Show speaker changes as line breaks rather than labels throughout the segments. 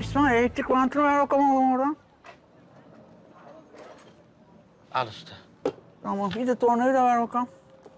İsmail elektrik vantını ver bakalım oğlum oradan.
Al usta.
Tamam bir de tornayı da ver bakalım.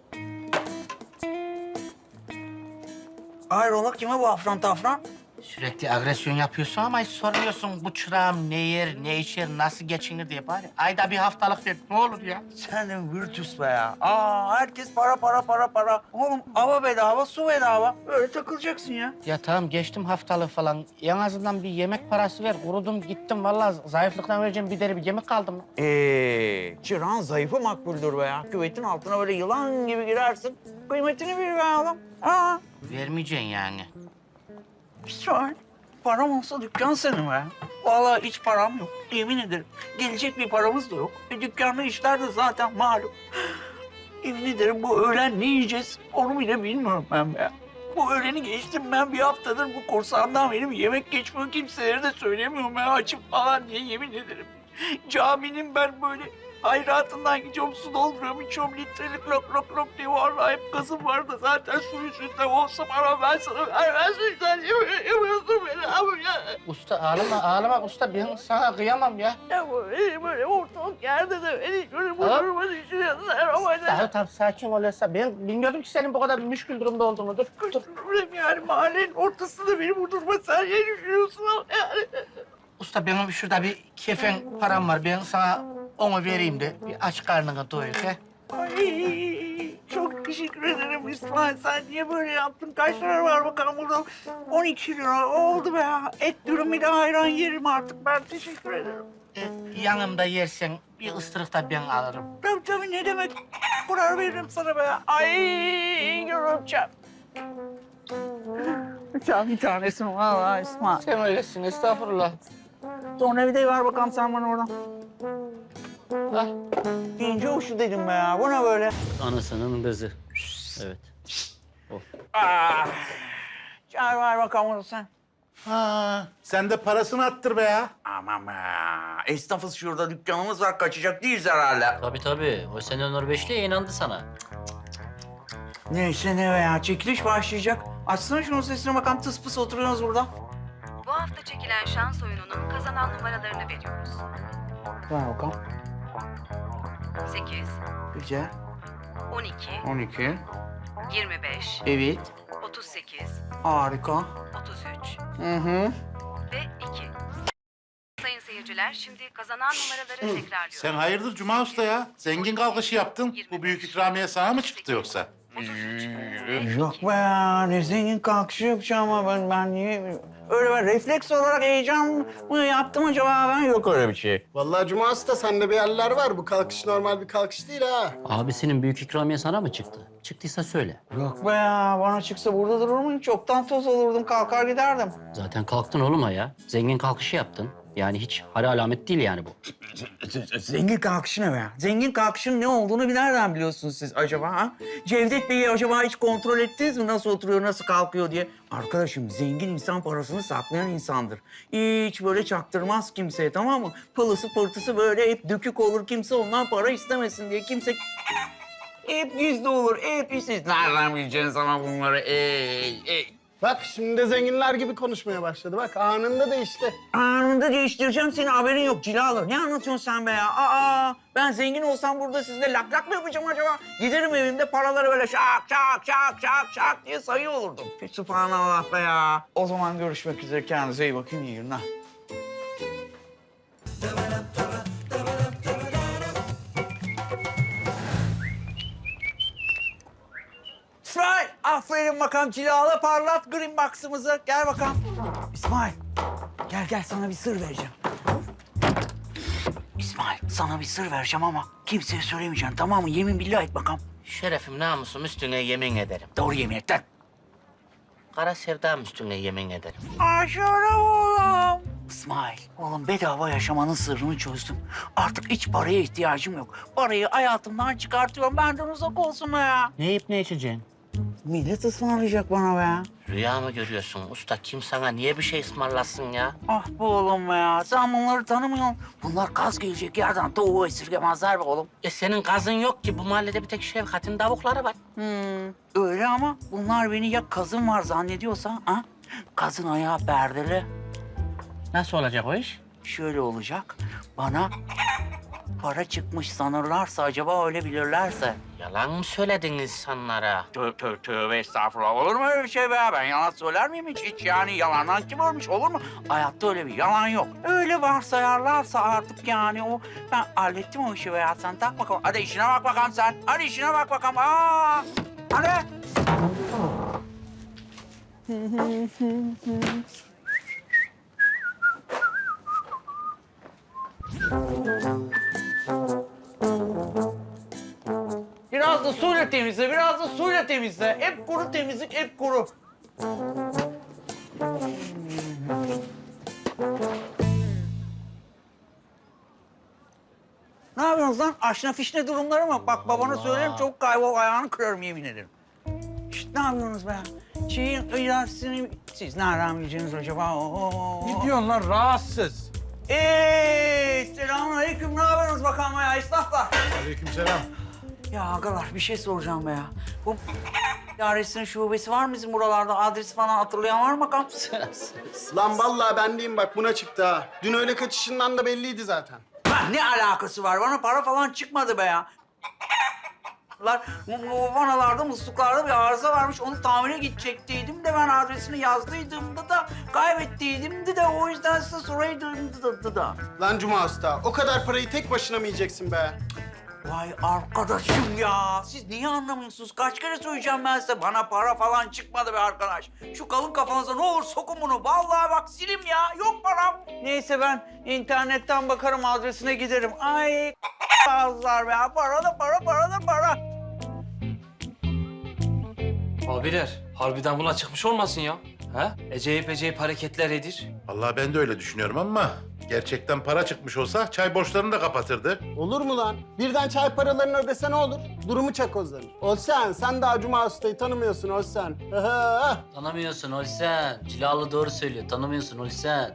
Hayrola kime bu afran tafran?
Sürekli agresyon yapıyorsun ama hiç sormuyorsun bu çırağım ne yer, ne içer, nasıl geçinir diye bari. Ayda bir haftalık ver, ne olur ya.
Sen de virtüs be ya. Herkes para. Oğlum hava bedava, su bedava. Böyle takılacaksın ya.
Ya tamam geçtim haftalık falan. En azından bir yemek parası ver. Kurudum gittim vallahi zayıflıktan vereceğim bir deri bir yemek kaldım.
Çırağın zayıfı makbuldür be ya. Küvetin altına böyle yılan gibi girersin. Kıymetini bil be oğlum.
Vermeyeceksin yani.
İsmail, param olsa dükkan senin be. Vallahi hiç param yok. Yemin ederim. Gelecek bir paramız da yok. Dükkanda işler de zaten malum. Yemin ederim bu öğlen ne yiyeceğiz onu bile bilmiyorum ben be. Bu öğleni geçtim ben bir haftadır bu kursağımdan benim yemek geçmiyor. Kimselere de söylemiyorum ben açım falan diye yemin ederim. Caminin ben böyle hayratından gidiyorum su dolduruyorum içiyorum litrelik lok diye vallahi hep gazım vardı zaten su yüzünden olsa bana ben sana vermezmişler yemiyorsun beni abi ya.
Usta ağlama usta ben sana kıyamam ya.
Ya böyle ortalık yerde de beni şöyle bu duruma düşürüyorlar ama
Tamam sakin ol Esra. Ben bilmiyordum ki senin bu kadar müşkül durumda olduğunu. Dur.
problem yani mahallenin ortasında beni bu duruma sen niye düşürüyorsun ama yani.
Usta benim şurada bir kefen param var. Ben sana onu vereyim de bir aç karnını doyur he.
Ay, çok teşekkür ederim İsmail. Sen niye böyle yaptın? Kaç lira var bakalım burada? 12 lira oldu be ya. Et dürüm bir de ayran yerim artık. Ben teşekkür ederim.
Yanımda yersen bir ısırık da ben alırım.
Tabii ne demek? Kurar veririm sana be ya. Ay görümcem. Sen bir tanesin vallahi İsmail.
Sen öylesin estağfurullah.
Tornavidayı ver bakalım sen bana oradan.
Ah.
İnce uçlu dedim be ya. Bu ne böyle?
Anasının kızı. Evet.
Çağır ver bakalım onu sen.
Sen de parasını attır be ya.
Aman be. Esnafız şurada dükkanımız var. Kaçacak değiliz herhalde.
Tabii. O sene Onur Beşli'ye inandı sana.
Neyse ne be ya. Çekiliş başlayacak. Açsana şunun sesine bakalım. Tıs pıs oturuyoruz burada.
Bu hafta çekilen şans oyununun kazanan numaralarını veriyoruz.
Ver bakalım.
8,
Güzel.
12,
12.
25,
Evet.
38,
Harika.
33
Hı.
ve 2. Sayın seyirciler, şimdi kazanan numaraları tekrarlıyorum.
Sen hayırdır Cuma Usta ya? Zengin kalkışı yaptın. Bu büyük ikramiye sana mı çıktı yoksa?
33
Yok be ya. Ne zengin kalkışı yapacağım ama ben niye... Öyle ben refleks olarak heyecan mı yaptım acaba ben? Yok öyle bir şey.
Vallahi Cuma Usta sende bir yerler var. Bu kalkış normal bir kalkış değil ha.
Abisinin büyük ikramiye sana mı çıktı? Çıktıysa söyle.
Yok be ya. Bana çıksa burada durur muyum? Çoktan toz olurdum. Kalkar giderdim.
Zaten kalktın oğlum ya. Zengin kalkışı yaptın. Yani hiç hara alamet değil yani bu.
Zengin kalkışı ne be ya? Zengin kalkışın ne olduğunu bir nereden biliyorsunuz siz acaba ha? Cevdet Bey'i acaba hiç kontrol ettiniz mi? Nasıl oturuyor, nasıl kalkıyor diye? Arkadaşım zengin insan parasını saklayan insandır. Hiç böyle çaktırmaz kimseye tamam mı? Pılısı pırtısı böyle hep dökük olur. Kimse ondan para istemesin diye kimse... Hep gizli olur, hep siz nereden bileceksiniz ama bunları?
Bak şimdi de zenginler gibi konuşmaya başladı. Bak anında değişti.
Anında değiştireceğim seni haberin yok cilalı. Ne anlatıyorsun sen be ya? Ben zengin olsam burada sizle lak lak mı yapacağım acaba? Giderim evimde paraları böyle şak diye sayıyor olurdum. Sübhanallah be ya. O zaman görüşmek üzere. Kendinize iyi bakın. İyi günler. İsmail, aferin bakalım cilalı parlat green box'ımızı. Gel bakalım. İsmail, gel sana bir sır vereceğim. İsmail, sana bir sır vereceğim ama kimseye söylemeyeceksin tamam mı? Yemin billah et bakalım.
Şerefim namusum üstüne yemin ederim.
Doğru yemin et lan.
Kara sevdam üstüne yemin ederim.
Aşağıda oğlum. İsmail, oğlum bedava yaşamanın sırrını çözdüm. Artık hiç paraya ihtiyacım yok. Parayı hayatımdan çıkartıyorum. Benden uzak olsun be ya.
Ne yiyip ne içeceksin?
Millet ısmarlayacak bana be.
Rüya mı görüyorsun usta? Kim sana niye bir şey ısmarlasın ya?
Ah be oğlum be ya. Sen bunları tanımıyorsun. Bunlar kaz gelecek yerden tavuğu esirgemezler be oğlum.
Senin gazın yok ki. Bu mahallede bir tek Şevkat'in tavukları var.
Öyle ama bunlar beni ya kazın var zannediyorsa ha? Kazın ayağı perdeli.
Nasıl olacak o iş?
Şöyle olacak. Bana para çıkmış sanırlarsa, acaba öyle bilirlerse.
Yalan mı söyledin insanlara?
Tövbe estağfurullah. Olur mu öyle bir şey be? Ben yalan söyler miyim hiç? Yani yalandan kim ölmüş, olur mu? Hayatta öyle bir yalan yok. Öyle varsayarlarsa artık yani o... Ben hallettim o işi be ya. Sen tak bakalım. Hadi işine bak bakalım sen. Hadi işine bak bakalım. Aa! Hadi. Biraz da suyla temizle, biraz da suyla temizle. Hep kuru temizlik, hep kuru. Ne yapıyorsunuz lan? Aşna fişne durumları mı? Bak babana söylerim, çok kaybol ayağını kırarım yemin ederim. Şişt, ne yapıyorsunuz be? Şeyin ilerisini... Siz nereden bileceksiniz acaba?
Ne diyorsun lan rahatsız?
Selamünaleyküm. Ne yapıyorsunuz bakalım ya esnaflar?
Aleykümselam.
Ya agalar bir şey soracağım be ya. Bu idaresinin şubesi var mı bizim buralarda? Adresi falan hatırlayan var mı bakalım?
Lan vallahi ben diyeyim bak buna çıktı ha. Dün öyle kaçışından da belliydi zaten.
Ha, ne alakası var? Bana para falan çıkmadı be ya. Bu vanalarda, musluklarda bir arıza varmış. Onu tamire gidecektiydim de ben adresini yazdıydığımda da kaybettiydim de o yüzden size soraydım da.
Lan Cuma Usta, o kadar parayı tek başına mı yiyeceksin be?
Vay arkadaşım ya. Siz niye anlamıyorsunuz? Kaç kere söyleyeceğim ben size. Bana para falan çıkmadı be arkadaş. Şu kalın kafanıza ne olur sokun bunu. Vallahi bak silim ya. Yok param. Neyse ben internetten bakarım adresine giderim. Ay ağızlar be. Para da para, para da para.
Abiler, harbiden buna çıkmış olmasın ya. Ha? Acayip hareketler edir.
Vallahi ben de öyle düşünüyorum ama gerçekten para çıkmış olsa çay borçlarını da kapatırdı.
Olur mu lan? Birden çay paralarını ödese ne olur? Durumu çakozlanır. Olsen, sen daha Cuma Usta'yı tanımıyorsun Olsen.
Tanımıyorsun Olsen. Cilalı doğru söylüyor. Tanımıyorsun Olsen.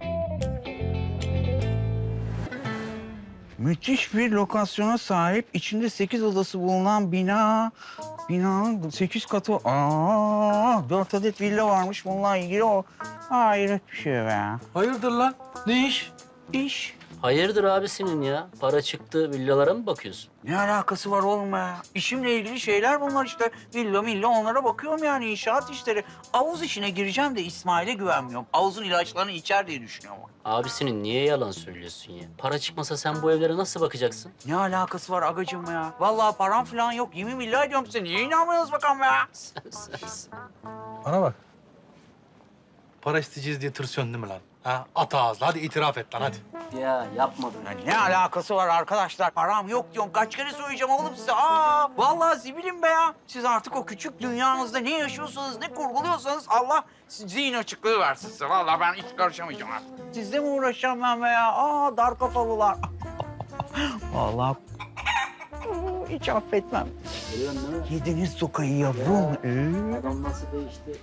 Müthiş bir lokasyona sahip, içinde 8 odası bulunan binanın 8 katı. 4 adet villa varmış bununla ilgili o. Hayret bir şey be.
Hayırdır lan? Ne iş?
İş.
Hayırdır abisinin ya? Para çıktı villalara mı bakıyorsun?
Ne alakası var oğlum be? İşimle ilgili şeyler bunlar işte. Villa onlara bakıyorum yani inşaat işleri. Havuz işine gireceğim de İsmail'e güvenmiyorum. Havuzun ilaçlarını içer diye düşünüyorum.
Abisinin niye yalan söylüyorsun ya? Para çıkmasa sen bu evlere nasıl bakacaksın?
Ne alakası var agacığım ya? Vallahi param falan yok. Yemin billahi diyorum size. Niye inanmıyorsunuz bakalım ya?
Bana bak. Para isteyeceğiz diye tırsıyorsun değil mi lan? Ha? At ağzına. Hadi itiraf et lan hadi.
Ya yapmadım.
Ya ne alakası var arkadaşlar? Param yok diyorum. Kaç kere söyleyeceğim oğlum size? Vallahi zibilim be ya. Siz artık o küçük dünyanızda ne yaşıyorsanız, ne kurguluyorsanız Allah zihin açıklığı versin size. Vallahi ben hiç karışamayacağım artık. Sizle mi uğraşacağım ben be ya? Dar kafalılar. Vallahi hiç affetmem. Yediniz sokayı yavrum.
Adam nasıl değişti?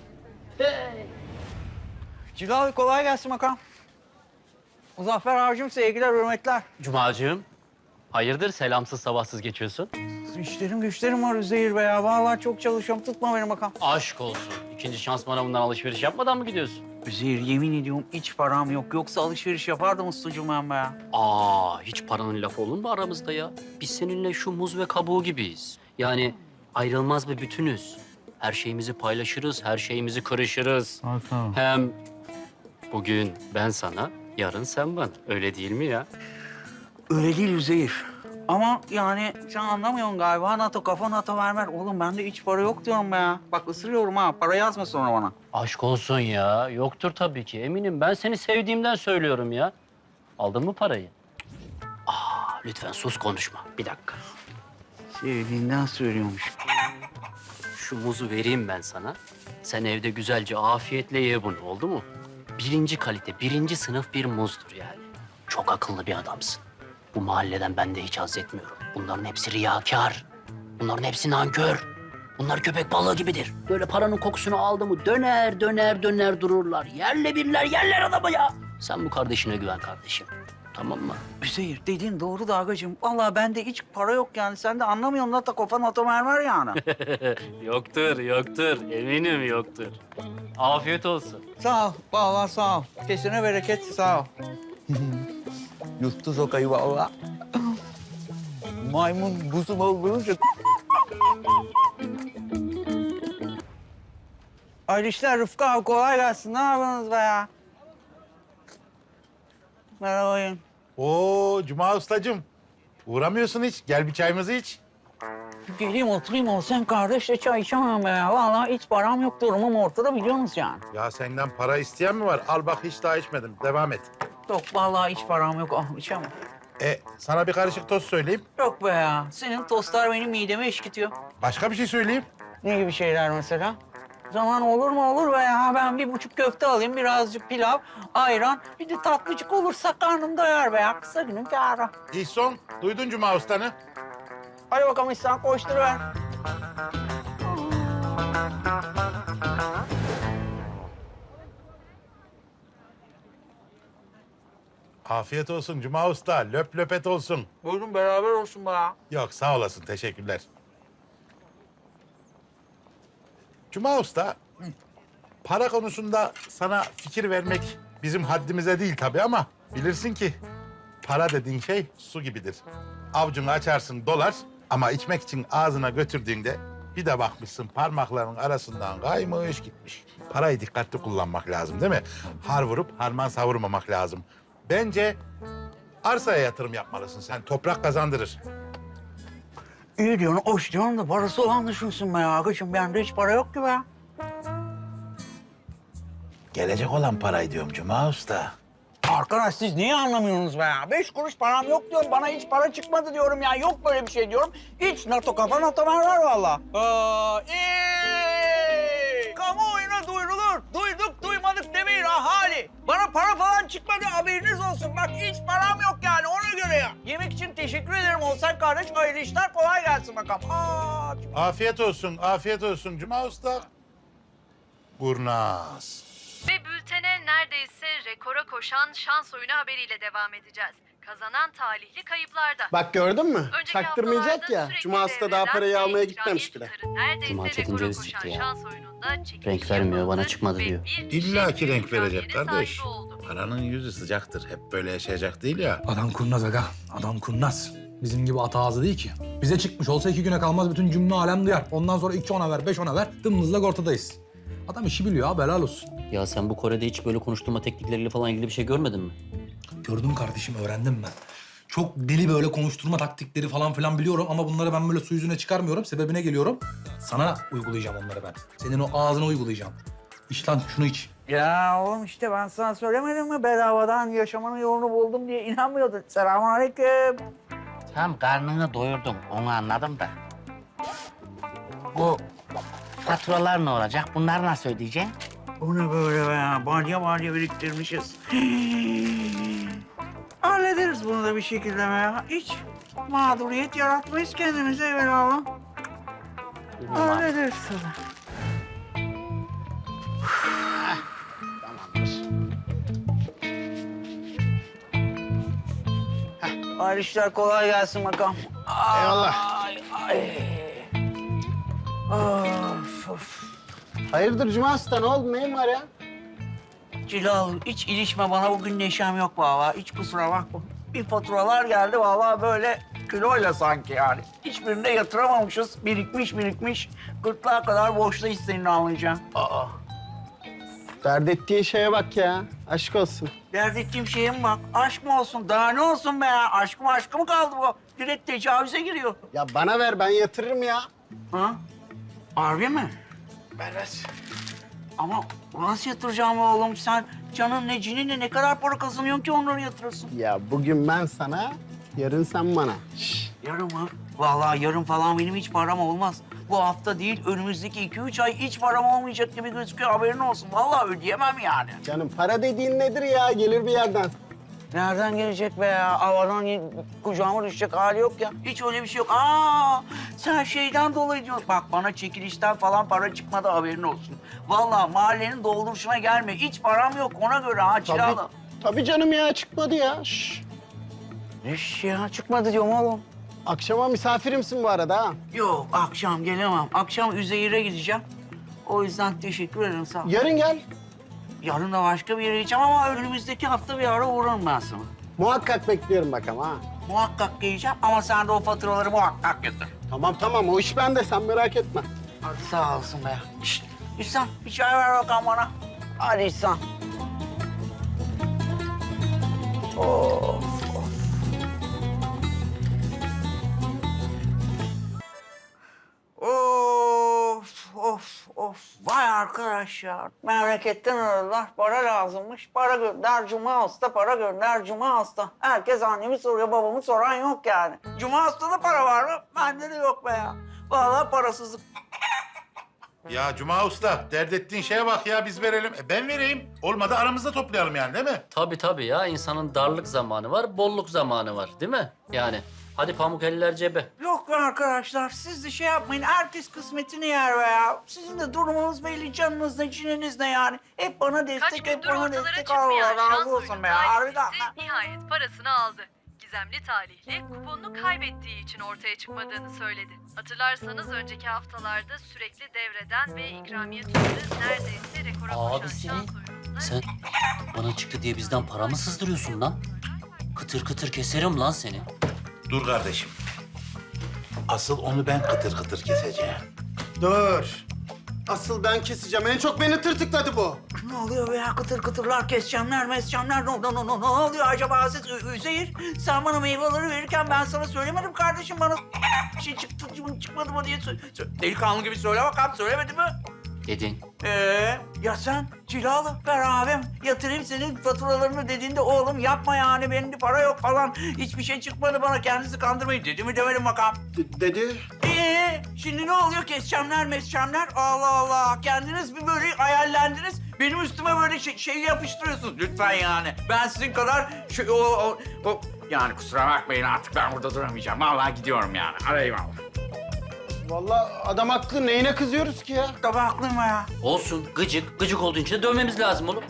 Cilal kolay gelsin bakalım. Muzaffer abicim sevgiler, hürmetler.
Cumacığım, hayırdır selamsız sabahsız geçiyorsun?
İşlerim güçlerim var Üzeyir be ya. Vallahi çok çalışıyorum. Tutma beni bakalım.
Aşk olsun. İkinci şans manavından alışveriş yapmadan mı gidiyorsun?
Üzeyir yemin ediyorum hiç param yok. Yoksa alışveriş yapardım ustacığım ben be ya.
Hiç paranın lafı olur mu aramızda ya? Biz seninle şu muz ve kabuğu gibiyiz. Yani ayrılmaz bir bütünüz. Her şeyimizi paylaşırız, her şeyimizi kırışırız. Hem bugün ben sana, yarın sen bana. Öyle değil mi ya?
Öyle değil Üzeyir. Ama yani sen anlamıyorsun galiba. NATO kafa NATO vermer. Oğlum bende hiç para yok diyorum be ya. Bak ısırıyorum ha. Para yazma sonra bana.
Aşk olsun ya. Yoktur tabii ki. Eminim ben seni sevdiğimden söylüyorum ya. Aldın mı parayı? Lütfen sus konuşma. Bir dakika.
Sevdiğinden söylüyormuş.
Şu muzu vereyim ben sana. Sen evde güzelce afiyetle ye bunu. Oldu mu? Birinci kalite, birinci sınıf bir muzdur yani. Çok akıllı bir adamsın. Bu mahalleden ben de hiç haz etmiyorum. Bunların hepsi riyakâr. Bunların hepsi nankör. Bunlar köpek balığı gibidir. Böyle paranın kokusunu aldı mı döner dururlar. Yerle birler yerler adamı ya. Sen bu kardeşine güven kardeşim. Tamam mı?
Üzeyir dediğin doğru da agacığım. Vallahi bende hiç para yok yani. Sen de anlamıyorsun da kafan otomermer yani.
Yoktur, yoktur. Eminim yoktur. Afiyet olsun.
Sağ ol. Vallahi sağ ol. Kesine bereket sağ ol. Yuttu sokayı vallahi. Maymun buzum olduğunca. Hayırlı işler Rıfkı abi. Kolay gelsin. Ne yapıyorsunuz be ya? Merhaba.
Oo Cuma ustacığım. Uğramıyorsun hiç. Gel bir çayımızı iç.
Geleyim oturayım olsam kardeşle çay içemem be ya. Vallahi hiç param yok, durumum ortada biliyorsunuz yani.
Ya senden para isteyen mi var? Al bak hiç daha içmedim. Devam et.
Yok vallahi hiç param yok. Ah içemem.
Sana bir karışık tost söyleyeyim.
Yok be ya. Senin tostlar benim midemi eşkitiyor.
Başka bir şey söyleyeyim.
Ne gibi şeyler mesela? Zaman olur mu olur be ya. Ben 1,5 köfte alayım, birazcık pilav, ayran. Bir de tatlıcık olursa karnım doyar be ya. Kısa günün kârı.
İhson, duydun Cuma ustanı.
Hadi bakalım İhsan koşturuver.
Afiyet olsun Cuma usta. Löp löpet olsun.
Buyurun beraber olsun be ya.
Yok sağ olasın. Teşekkürler. Cuma usta, para konusunda sana fikir vermek bizim haddimize değil tabii ama bilirsin ki para dediğin şey su gibidir. Avucunu açarsın dolar ama içmek için ağzına götürdüğünde bir de bakmışsın parmaklarının arasından kaymış gitmiş. Parayı dikkatli kullanmak lazım değil mi? Har vurup harman savurmamak lazım. Bence arsaya yatırım yapmalısın sen. Toprak kazandırır.
İyi diyorsun, hoş diyorsun da parası olan düşünsün be ya. Agacığım bende hiç para yok ki be.
Gelecek olan parayı diyorum Cuma usta.
Arkadaş siz niye anlamıyorsunuz be ya? 5 kuruş param yok diyorum, bana hiç para çıkmadı diyorum ya. Yok böyle bir şey diyorum. Hiç NATO kafa NATO var valla. Kamuoyuna duyurulur. Duyduk duymadık demeyin ahali. Bana para falan çıkmadı haberiniz olsun. Bak hiç param yok yani ona göre ya. Yemek için teşekkür ederim Olsan kardeş. Hayırlı işler kolay gelsin bakalım.
Afiyet olsun, afiyet olsun Cuma usta. Kurnaz.
Ve bültene neredeyse rekora koşan şans oyunu haberiyle devam edeceğiz. Kazanan talihli kayıplarda.
Bak gördün mü?
Önceki
Çaktırmayacak
haftalarda
ya.
sürekli
Cuma Usta daha
devreden
parayı
ve
almaya
ikramiye
gitmemiş bile.
tutarı neredeyse
Cuma
rekora
çetince
koşan
sikti ya.
şans oyununda çekiliş
Renk vermiyor, bana
yapıldı
çıkmadı
ve
diyor.
bir
İlla ki
kişi
renk verecek
ikramiyenin
kardeş.
sahibi oldu.
Paranın yüzü sıcaktır. Hep böyle yaşayacak değil ya.
Adam kurnaz aga. Adam kurnaz. Bizim gibi ata ağzı değil ki. Bize çıkmış olsa 2 güne kalmaz bütün cümle alem duyar. Ondan sonra 2 ona ver, 5 ona ver. Dımdızlak ortadayız. Adam işi biliyor abi, helal olsun.
Ya sen bu Kore'de hiç böyle konuşturma teknikleriyle falan ilgili bir şey görmedin mi?
Gördüm kardeşim, öğrendim ben. Çok deli böyle konuşturma taktikleri falan filan biliyorum ama bunları ben böyle su yüzüne çıkarmıyorum. Sebebine geliyorum. Sana uygulayacağım onları ben. Senin o ağzına uygulayacağım. İç lan şunu iç.
Ya oğlum işte ben sana söylemedim mi bedavadan yaşamanın yolunu buldum diye inanmıyordun. Selamünaleyküm.
Tam karnını doyurdum, onu anladım da. Bu faturalar ne olacak? Bunları nasıl ödeyeceksin?
Bu ne böyle be ya? Balya balya biriktirmişiz. Hallederiz bunu da bir şekilde be ya. Hiç mağduriyet yaratmayız kendimize evvelallah. Hallederiz tabii.
Tamamdır.
Hayırlı işler kolay gelsin bakalım.
Eyvallah.
Ay, ay. Of, of.
Hayırdır Cuma Usta ne oldu neyin var ya?
Cilal hiç ilişme bana bugün neşem yok vallahi. Hiç kusura bakma. Bir faturalar geldi vallahi böyle kiloyla sanki yani. Hiçbirinde yatıramamışız. Birikmiş. Gırtlağa kadar borçluyuz senin anlayacağın. Aa.
Dert ettiğin şeye bak ya. Aşk olsun.
Dert ettiğim şeye mi bak? Aşk mı olsun? Daha ne olsun be ya? Aşk mı kaldı bu? Direkt tecavüze giriyor.
Ya bana ver ben yatırırım ya.
Ha? Harbi mi?
Ver.
Ama nasıl yatıracağım oğlum? Sen canın ne cininle ne kadar para kazanıyorsun ki onları yatırırsın?
Ya bugün ben sana, yarın sen bana. Şş.
Yarın mı? Vallahi yarın falan benim hiç param olmaz. Bu hafta değil, önümüzdeki 2-3 ay hiç param olmayacak gibi gözüküyor. Haberin olsun. Vallahi ödeyemem yani.
Canım para dediğin nedir ya? Gelir bir yerden.
Nereden gelecek be ya? Havadan kucağıma düşecek hali yok ya. Hiç öyle bir şey yok. Sen şeyden dolayı diyorsun. Bak bana çekilişten falan para çıkmadı haberin olsun. Vallahi mahallenin dolduruşuna gelme. Hiç param yok ona göre ha Cilalı.
Tabii canım ya çıkmadı ya. Şş.
Eş ya çıkmadı diyorum oğlum.
Akşama misafirimsin bu arada ha.
Yok akşam gelemem. Akşam Üzeyir'e gideceğim. O yüzden teşekkür ederim sağ ol.
Yarın gel.
Yarın da başka bir yere gideceğim ama önümüzdeki hafta bir ara uğrarım ben sana.
Muhakkak bekliyorum bak ama ha.
Muhakkak geleceğim ama sen de o faturaları muhakkak getir.
Tamam o iş bende sen merak etme.
Hadi sağ olsun be. Şişt, İhsan bir çay ver bakalım bana. Hadi İhsan. Of. Of. Vay arkadaş ya. Memleketten aradılar. Para lazımmış. Para gönder Cuma Usta, para gönder Cuma Usta. Herkes annemi soruyor, babamı soran yok yani. Cuma Usta'da para var mı? Bende de yok be ya. Vallahi parasızlık.
Ya Cuma Usta, dert ettiğin şeye bak ya, biz verelim. Ben vereyim. Olmadı aramızda toplayalım yani, değil mi?
Tabii ya. İnsanın darlık zamanı var, bolluk zamanı var. Değil mi? Yani hadi pamuk eller cebe.
Yok be arkadaşlar, siz de şey yapmayın. Herkes kısmetini yer be ya. Sizin de durumunuz belli, canınız ne, cininiz ne yani. Hep bana
Kaç
destek, hep
gündür
bana
ortalara
destek.
çıkmayan
Allah
şans
razı olsun
oyunun
be ya. Harbiden.
talihlisi nihayet parasını aldı. Gizemli talihli kuponunu kaybettiği için ortaya çıkmadığını söyledi. Hatırlarsanız önceki haftalarda sürekli devreden ve ikramiye tutarı neredeyse rekora koşan
Abi
şans oyununda...
sen bana çıktı diye bizden para mı sızdırıyorsun lan? Kıtır kıtır keserim lan seni.
Dur kardeşim. Asıl onu ben kıtır kıtır keseceğim.
Dur. Asıl ben keseceğim. En çok beni tırtıkladı bu.
Ne oluyor be ya? Kıtır kıtırlar, keseceğimler, meseceğimler. Ne oluyor acaba siz? Üzeyir, sen bana meyveleri verirken ben sana söylemedim kardeşim. Bana şey çıktı mı çıkmadı mı diye delikanlı gibi söyle bakalım. Söylemedi mi?
Dedin.
Ya sen cilalı ver abim. Yatırayım senin faturalarını dediğinde oğlum yapma yani benim de para yok falan. Hiçbir şey çıkmadı bana kendinizi kandırmayın dedi mi demedim bakalım.
Dedi.
Şimdi ne oluyor keseceğimler meseceğimler Allah Allah. Kendiniz bir böyle hayallendiniz. Benim üstüme böyle şey yapıştırıyorsunuz lütfen yani. Ben sizin kadar yani kusura bakmayın artık ben burada duramayacağım. Vallahi gidiyorum yani. Arayayım Allah.
Vallahi adam haklı. Neyine kızıyoruz ki ya?
Tabii haklıyım ya.
Olsun gıcık. Gıcık olduğun için de dövmemiz lazım oğlum.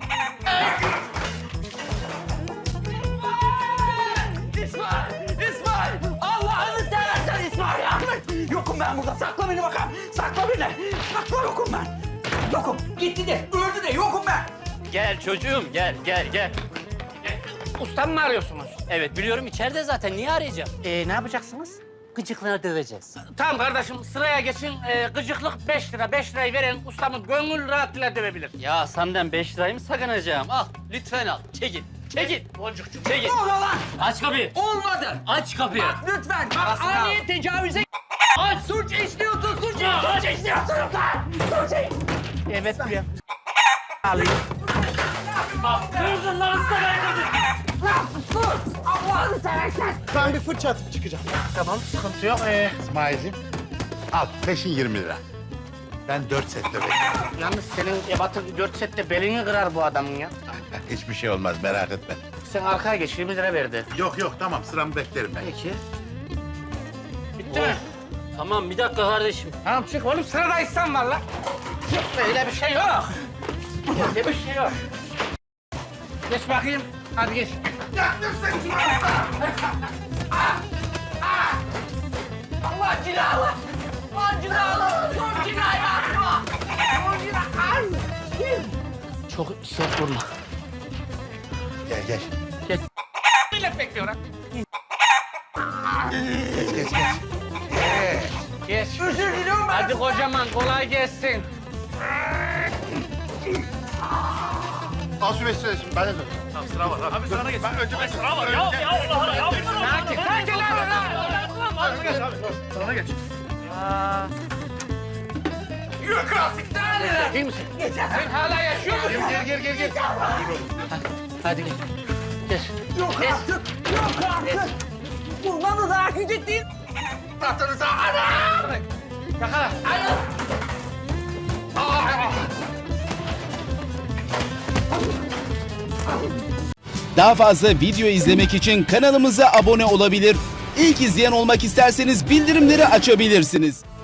İsmail! Allah'ını seversen İsmail Ahmet! Yokum ben burada. Sakla beni bakalım. Sakla beni. Sakla yokum ben. Yokum. Gitti de, öldü de yokum ben.
Gel çocuğum gel.
Ustam mı arıyorsunuz?
Evet biliyorum içeride zaten. Niye arayacağım?
Ne yapacaksınız?
Gıcıklığına döveceğiz.
Tamam kardeşim sıraya geçin. Gıcıklık 5 lira. 5 lirayı veren ustamı gönül rahatlığıyla dövebilir.
Ya senden 5 lirayı mı sakınacağım? Al lütfen al. Çekil. Boncukçum çekil.
Ne oluyor lan?
Aç kapıyı.
Olmadı.
Aç kapıyı.
Lütfen. Bak ani tecavüze...
Aç.
Suç işliyorsun, suç işliyorsun lan! Suç
Evet buraya.
Kırdın lan
Allah'ını seversen!
Ben bir fırça atıp çıkacağım.
Tamam sıkıntı yok.
İsmail'cim, al peşin 20 lira. Ben 4 set döveceğim.
Yalnız senin ebatı 4 sette belini kırar bu adamın ya.
Hiçbir şey olmaz, merak etme.
Sen arkaya geç 20 lira verdi.
Yok tamam, sıramı beklerim ben.
Peki. Bitti mi?
Tamam bir dakika kardeşim.
Tamam çık oğlum sırada İhsan var lan. Yok öyle bir şey yok. Öyle bir şey yok. Geç bakayım. Hadi geç.
Allah cilalı! Lan cilalı! Son cinayı atma! Son cinayı!
Çok sert vurma.
Gel.
Millet bekliyor lan.
Geç.
Geç.
Özür diliyorum ben.
Hadi kocaman kolay gelsin.
Al şu 5 lirayı şimdi. Ben de dur.
Sakin lan.
Yok artık daha neler?
İyi misin?
Geçer.
Sen hala yaşıyor musun?
Gel.
Hadi gel. Geç.
Yok artık. Bundan da daha küçük değil. Tahtınıza ana!
Yakala.
Daha fazla video izlemek için kanalımıza abone olabilir. İlk izleyen olmak isterseniz bildirimleri açabilirsiniz.